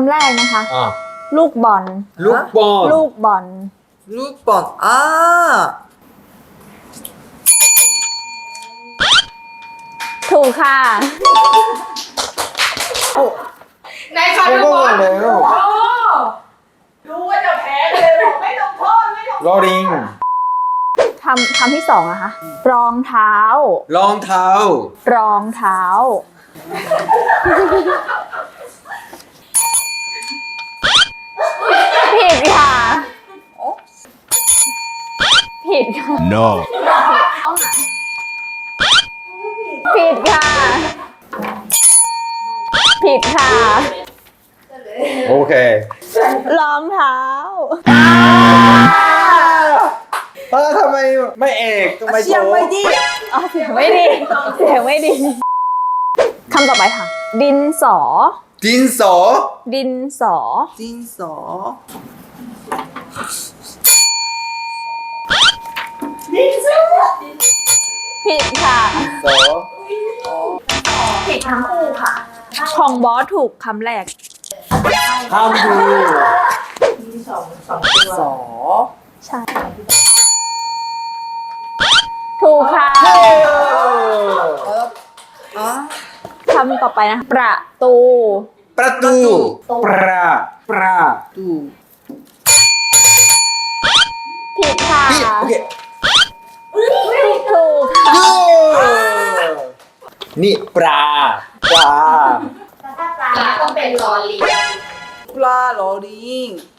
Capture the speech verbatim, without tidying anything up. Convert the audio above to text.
ำแรกนะคะอ่ะลูกบอลลูกบอลลูกบอลลูกบอลอ่าถูกค่ะในคาร์บอนรู้ว่าจะแพ้เลยบอกไม่ต้องโทษไม่ต้องลอริงคำคำที่สองนะคะ รองเท้ารองเท้ารองเท้า ผิดค่ะ ผิดค่ะ No. ผิดค่ะ ผิดค่ะโอเครองเท้าเออทำไมไม่เอกทำไมเสียงโทไม่ดีอ๋อเสียงไม่ดี เสียงไม่ดี คำต่อไปค่ะ ดินสอดินสอดินสอดินสอผิดค่ะสอผิดทั้งคู่ค่ะของบอสถูกคำแรกห้ามดูสองสองตัวสอใช่ ถูกค่ะอ่ะคำต่อไปนะ ประตูประตู ประประตูผิดค่ะพี่โอเคถูกค่ะดูนี่ปลาปลาถ้าปลาต้องเป็นลอลิงปลาลอลิง